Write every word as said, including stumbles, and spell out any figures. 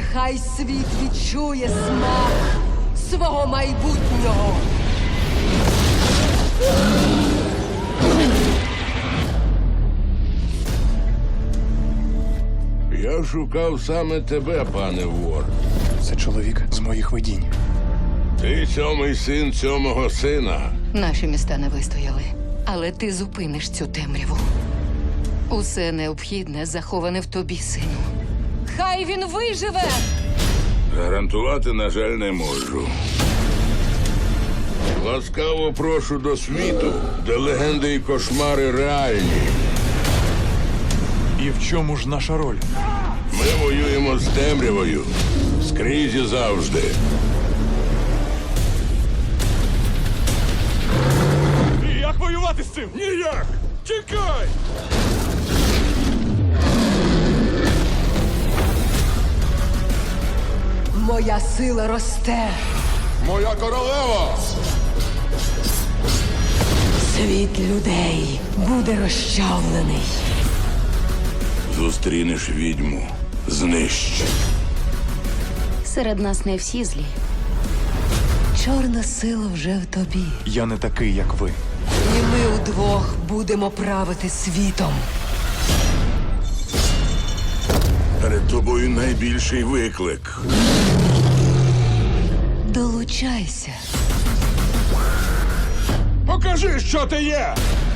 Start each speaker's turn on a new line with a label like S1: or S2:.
S1: Нехай світ відчує смак свого майбутнього.
S2: Я шукав саме тебе, пане вор.
S3: Це чоловік з моїх видінь.
S2: Ти сьомий син сьомого сина.
S4: Наші міста не вистояли, але ти зупиниш цю темряву. Усе необхідне заховане в тобі, сину.
S1: Хай він виживе!
S2: Гарантувати, на жаль, не можу. Ласкаво прошу до світу, де легенди і кошмари реальні.
S3: І в чому ж наша роль?
S2: Ми воюємо з темрявою. Скрізь і завжди.
S3: Як воювати з цим?
S2: Ніяк! Тікай!
S1: Моя сила росте.
S2: Моя королева!
S1: Світ людей буде розчавлений.
S2: Зустрінеш відьму. Знищ.
S4: Серед нас не всі злі.
S1: Чорна сила вже в тобі.
S3: Я не такий, як ви.
S1: І ми удвох будемо правити світом.
S2: Перед тобою найбільший виклик.
S1: Долучайся.
S2: Покажи, що ти є!